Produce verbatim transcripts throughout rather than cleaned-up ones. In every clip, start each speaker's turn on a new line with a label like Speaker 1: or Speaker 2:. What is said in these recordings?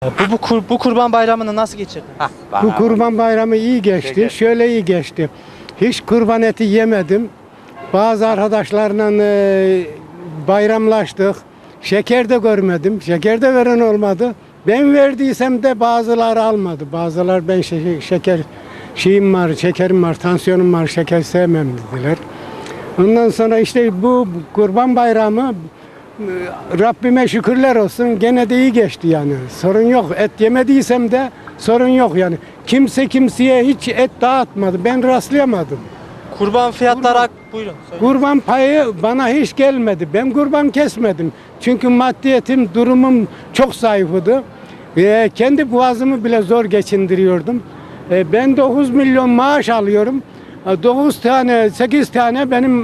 Speaker 1: Bu, bu, kur, bu kurban bayramını nasıl geçirdin?
Speaker 2: Bu kurban bayramı iyi geçti. Şöyle iyi geçti. Hiç kurban eti yemedim. Bazı arkadaşlarla e, bayramlaştık. Şeker de görmedim. Şeker de veren olmadı. Ben verdiysem de bazıları almadı. Bazılar ben şeker, şeker şeyim var, şekerim var, tansiyonum var, şeker sevmem dediler. Ondan sonra işte bu kurban bayramı Rabbime şükürler olsun gene de iyi geçti yani. Sorun yok. Et yemediysem de sorun yok yani. Kimse kimseye hiç et dağıtmadı. Ben rastlayamadım.
Speaker 1: Kurban fiyatları hak... Buyurun. Söyleyin.
Speaker 2: Kurban payı bana hiç gelmedi. Ben kurban kesmedim. Çünkü maddiyetim, durumum çok zayıfıdı. Ee, kendi boğazımı bile zor geçindiriyordum. Ee, ben dokuz milyon maaş alıyorum. dokuz tane, sekiz tane benim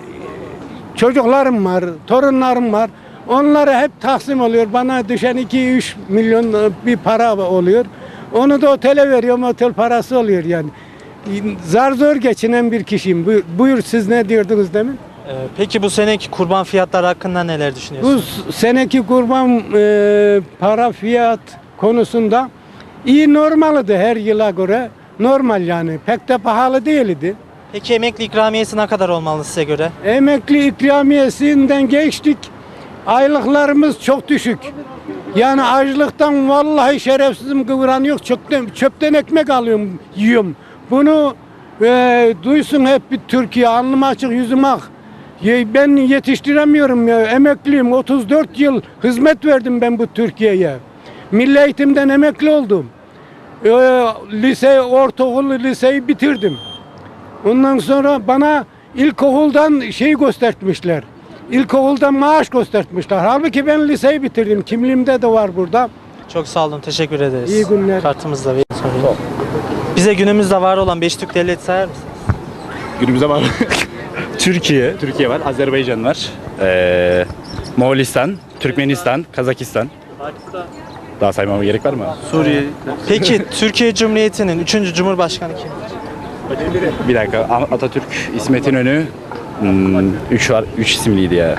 Speaker 2: çocuklarım var, torunlarım var. Onlara hep taksim oluyor. Bana düşen iki üç milyon bir para oluyor. Onu da otele veriyorum. Otel parası oluyor yani. Zar zor geçinen bir kişiyim. Buyur, buyur siz ne diyordunuz demin?
Speaker 1: Ee, peki bu seneki kurban fiyatları hakkında neler
Speaker 2: Bu
Speaker 1: düşünüyorsunuz?
Speaker 2: seneki kurban e, para fiyat konusunda iyi normaldi her yıla göre. Normal yani. Pek de pahalı değildi.
Speaker 1: Peki emekli ikramiyesi ne kadar olmalı size göre?
Speaker 2: Emekli ikramiyesinden geçtik. Aylıklarımız çok düşük. Yani açlıktan vallahi şerefsizim kıvran yok. Çöpten, çöpten ekmek alıyorum, yiyorum. Bunu e, duysun hep bir Türkiye, alnım açık, yüzüm ak. Ye- Ben yetiştiremiyorum ya. Emekliyim. otuz dört yıl hizmet verdim ben bu Türkiye'ye. Milli eğitimden emekli oldum. E, lise, ortaokul, liseyi bitirdim. Ondan sonra bana ilkokuldan şey göstermişler. İlkokuldan maaş göstermişler. Halbuki ben liseyi bitirdim. Kimliğimde de var burada.
Speaker 1: Çok sağ olun. Teşekkür ederiz.
Speaker 2: İyi günler.
Speaker 1: Kartımızla verin. Sorayım. Bize günümüzde var olan beş Türk devleti sayar mısınız?
Speaker 3: Günümüzde var. Türkiye, Türkiye var, Azerbaycan var, ee, Moğolistan, Türkmenistan, Kazakistan. Daha saymama gerek var mı?
Speaker 1: Suriye. Peki Türkiye Cumhuriyeti'nin üçüncü Cumhurbaşkanı kimdir?
Speaker 3: Bir dakika, Atatürk, İsmet İnönü, hmm, üç var, üç isimliydi ya.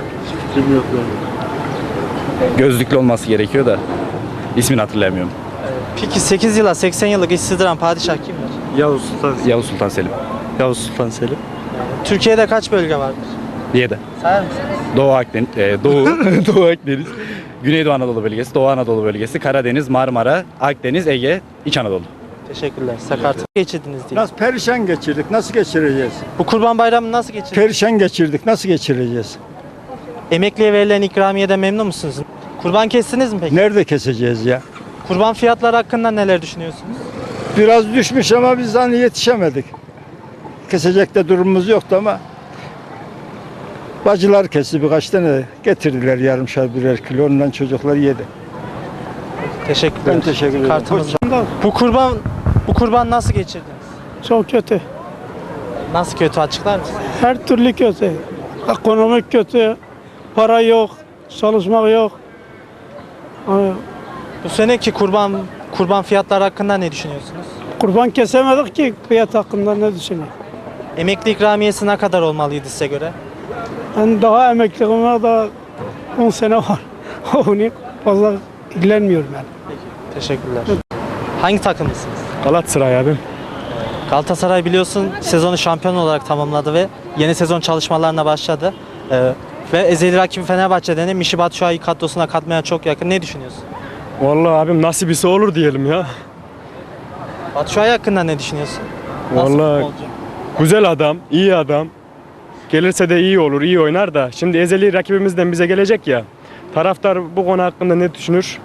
Speaker 3: Gözlüklü olması gerekiyor da ismini hatırlayamıyorum.
Speaker 1: Peki sekiz yıla seksen yıllık işsizdiren padişah kimdir?
Speaker 4: Yavuz Sultan,
Speaker 3: Yavuz Sultan Selim.
Speaker 4: Yavuz Sultan Selim.
Speaker 1: Türkiye'de kaç bölge vardır?
Speaker 3: Yedi.
Speaker 1: Sayar mısınız?
Speaker 3: Doğu Akdeniz, e, Doğu, Doğu Akdeniz, Güneydoğu Anadolu bölgesi, Doğu Anadolu bölgesi, Karadeniz, Marmara, Akdeniz, Ege, İç Anadolu.
Speaker 1: Teşekkürler. Sakartı geçirdiniz diye.
Speaker 5: Nasıl perişan geçirdik, nasıl geçireceğiz?
Speaker 1: Bu kurban bayramını nasıl geçirdiniz?
Speaker 5: Perişan geçirdik, nasıl geçireceğiz?
Speaker 1: Emekliye verilen ikramiyeden memnun musunuz? Kurban kestiniz mi peki?
Speaker 5: Nerede keseceğiz ya?
Speaker 1: Kurban fiyatları hakkında neler düşünüyorsunuz?
Speaker 5: Biraz düşmüş ama biz hani yetişemedik. Kesecek de durumumuz yoktu ama bacılar kesti birkaç tane getirdiler yarımşar birer kilo, ondan çocuklar yedi.
Speaker 1: Teşekkürler.
Speaker 5: Ben teşekkür ederim.
Speaker 1: Kartımız var. Bu kurban bu kurban nasıl geçirdiniz?
Speaker 6: Çok kötü.
Speaker 1: Nasıl kötü, açıklar mısınız?
Speaker 6: Her türlü kötü. Ekonomik kötü. Para yok. Çalışmak yok. Ee,
Speaker 1: Bu seneki kurban kurban fiyatları hakkında ne düşünüyorsunuz?
Speaker 6: Kurban kesemedik ki fiyat hakkında ne düşünüyorum.
Speaker 1: Emekli ikramiyesi ne kadar olmalıydı size göre?
Speaker 6: Ben daha emekliliğime daha on sene var. Onu fazla ilgilenmiyorum ben.
Speaker 1: Teşekkürler. Hangi takımlısınız?
Speaker 4: Galatasaray abim.
Speaker 1: Galatasaray biliyorsun sezonu şampiyon olarak tamamladı ve yeni sezon çalışmalarına başladı. Ee, ve ezeli rakibi Fenerbahçe'den de Michy Batshuayi'yi kadrosuna katmaya çok yakın. Ne düşünüyorsun?
Speaker 4: Vallahi abim nasibisi olur diyelim ya.
Speaker 1: Batshuayi hakkında ne düşünüyorsun? Nasıl
Speaker 4: Vallahi
Speaker 1: futbolcu?
Speaker 4: güzel adam, iyi adam. Gelirse de iyi olur, iyi oynar da. Şimdi ezeli rakibimizden bize gelecek ya. Taraftar bu konu hakkında ne düşünür?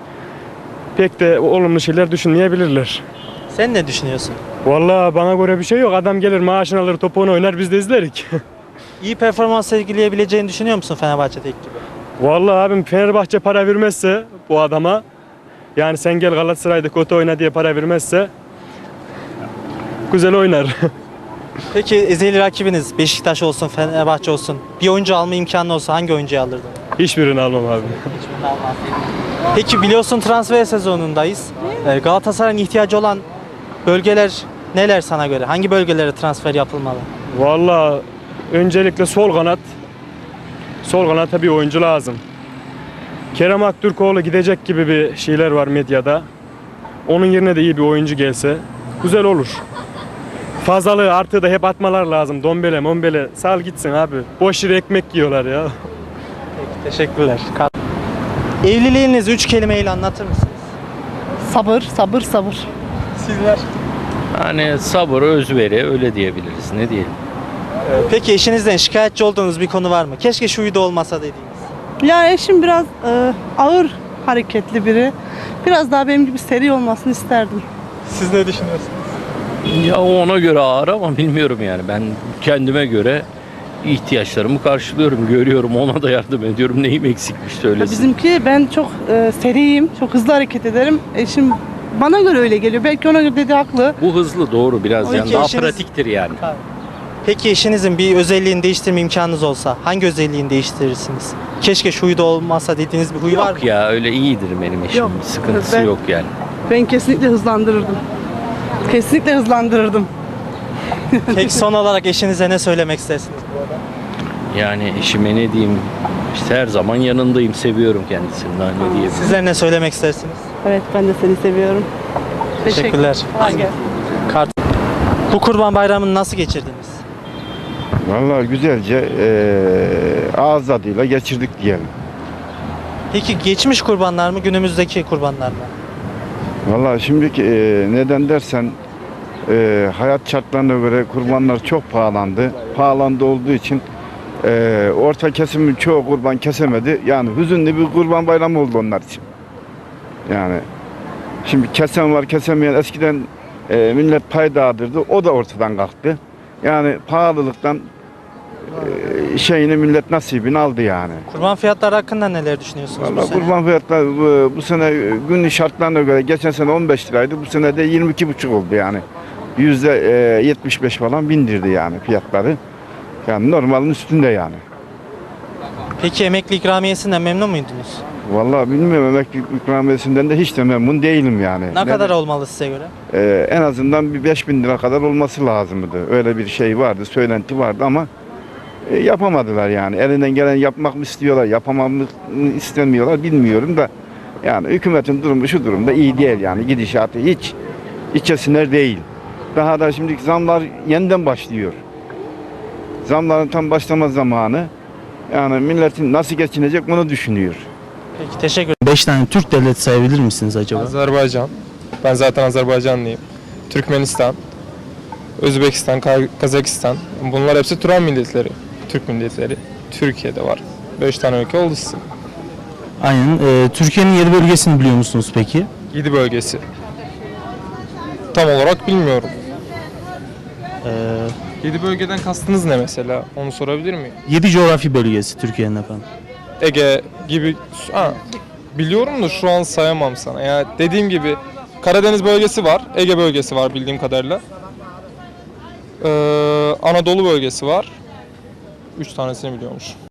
Speaker 4: Pek de olumlu şeyler düşünmeyebilirler.
Speaker 1: Sen ne düşünüyorsun?
Speaker 4: Vallahi bana göre bir şey yok. Adam gelir maaşını alır, topunu oynar, biz de izlerik.
Speaker 1: İyi performans sergileyebileceğini düşünüyor musun Fenerbahçe'deki gibi?
Speaker 4: Vallahi abim Fenerbahçe para vermezse bu adama, yani sen gel Galatasaray'da kötü oyna diye para vermezse güzel oynar.
Speaker 1: Peki ezeli rakibiniz Beşiktaş olsun, Fenerbahçe olsun bir oyuncu alma imkanı olsa hangi oyuncuyu alırdın?
Speaker 4: Hiçbirini almam abi.
Speaker 1: Peki biliyorsun transfer sezonundayız. Ee, Galatasaray'ın ihtiyacı olan bölgeler neler sana göre? Hangi bölgelere transfer yapılmalı?
Speaker 4: Vallahi öncelikle sol kanat. Sol kanata bir oyuncu lazım. Kerem Aktürkoğlu gidecek gibi bir şeyler var medyada. Onun yerine de iyi bir oyuncu gelse güzel olur. Fazlalığı artığı da hep atmalar lazım. Dombele, mombele. Sal gitsin abi. Boş yere ekmek yiyorlar ya.
Speaker 1: Teşekkürler. Evliliğinizi üç kelimeyle anlatır mısınız?
Speaker 7: Sabır, sabır, sabır.
Speaker 1: Sizler.
Speaker 8: Hani sabır, özveri öyle diyebiliriz. Ne diyelim?
Speaker 1: Peki eşinizden şikayetçi olduğunuz bir konu var mı? Keşke şu huyda olmasa dediğiniz.
Speaker 7: Ya eşim biraz e, ağır hareketli biri. Biraz daha benim gibi seri olmasını isterdim.
Speaker 1: Siz ne düşünüyorsunuz?
Speaker 8: Ya ona göre ağır ama bilmiyorum yani. Ben kendime göre ihtiyaçlarımı karşılıyorum, görüyorum, ona da yardım ediyorum. Neyim eksikmiş
Speaker 7: Ya
Speaker 8: söylesin.
Speaker 7: bizimki ben çok e, seriyim, çok hızlı hareket ederim. Eşim bana göre öyle geliyor. Belki ona göre dediği haklı.
Speaker 8: Bu hızlı doğru biraz
Speaker 1: Peki
Speaker 8: yani daha
Speaker 1: eşiniz-
Speaker 8: pratiktir yani.
Speaker 1: Peki eşinizin bir özelliğini değiştirme imkanınız olsa hangi özelliğini değiştirirsiniz? Keşke şu huyda olmasa dediğiniz bir huy var mı?
Speaker 8: Yok ya öyle iyidir benim eşim.
Speaker 7: Yok,
Speaker 8: Sıkıntısı
Speaker 7: ben-
Speaker 8: yok yani.
Speaker 7: Ben kesinlikle hızlandırırdım. Kesinlikle hızlandırırdım.
Speaker 1: Peki son olarak eşinize ne söylemek istersiniz?
Speaker 8: Yani eşime ne diyeyim? İşte her zaman yanındayım, seviyorum kendisini. Daha ne diyebilirim?
Speaker 1: Sizler ne söylemek istersiniz?
Speaker 7: Evet, ben de seni seviyorum.
Speaker 1: Teşekkürler.
Speaker 7: Kolay gelsin.
Speaker 1: Kart. Bu Kurban Bayramı'nı nasıl geçirdiniz?
Speaker 9: Vallahi güzelce eee ağız tadıyla geçirdik diyelim.
Speaker 1: Peki geçmiş kurbanlar mı, günümüzdeki kurbanlar mı?
Speaker 9: Vallahi şimdiki eee, neden dersen eee, hayat şartlarına göre kurbanlar çok pahalandı. Pahalandı olduğu için eee, orta kesimin çoğu kurban kesemedi. Yani hüzünlü bir kurban bayramı oldu onlar için. Yani şimdi kesen var kesemeyen eskiden eee, millet pay dağıtırdı. O da ortadan kalktı. Yani pahalılıktan eee, şeyini millet nasibini aldı yani.
Speaker 1: Kurban fiyatları hakkında neler düşünüyorsunuz bu
Speaker 9: Vallahi
Speaker 1: sene?
Speaker 9: kurban fiyatları bu, bu sene günlük şartlarına göre geçen sene on beş liraydı. Bu sene de yirmi iki buçuk oldu yani. Yüzde e, yetmiş beş falan bindirdi yani fiyatları. Yani normalin üstünde yani.
Speaker 1: Peki emekli ikramiyesinden memnun muydunuz?
Speaker 9: Vallahi bilmiyorum emeklilik ikramiyesinden de hiç de memnun değilim yani.
Speaker 1: Ne kadar olmalı size göre?
Speaker 9: E, en azından bir beş bin lira kadar olması lazımdı. Öyle bir şey vardı, söylenti vardı ama e, yapamadılar yani. Elinden gelen yapmak mı istiyorlar, yapamam mı istemiyorlar bilmiyorum da. Yani hükümetin durumu şu durumda iyi değil yani gidişatı hiç içe siner değil. Daha da şimdiki zamlar yeniden başlıyor. Zamların tam başlama zamanı. Yani milletin nasıl geçinecek bunu düşünüyor.
Speaker 1: Peki teşekkür
Speaker 10: beş tane Türk devleti sayabilir misiniz acaba?
Speaker 11: Azerbaycan. Ben zaten Azerbaycanlıyım. Türkmenistan, Özbekistan, Ka- Kazakistan. Bunlar hepsi Turan milletleri. Türk milletleri. Türkiye'de var. beş tane ülke oldu sizin.
Speaker 10: Aynen. Ee, Türkiye'nin yedi bölgesini biliyor musunuz peki?
Speaker 11: yedi bölgesi. Tam olarak bilmiyorum.
Speaker 10: Ee,
Speaker 11: yedi bölgeden kastınız ne mesela? Onu sorabilir miyim?
Speaker 10: yedi coğrafi bölgesi Türkiye'nin efendim.
Speaker 11: Ege gibi... Ha, biliyorum da şu an sayamam sana. Yani dediğim gibi Karadeniz bölgesi var. Ege bölgesi var bildiğim kadarıyla. Ee, Anadolu bölgesi var. Üç tanesini biliyormuş.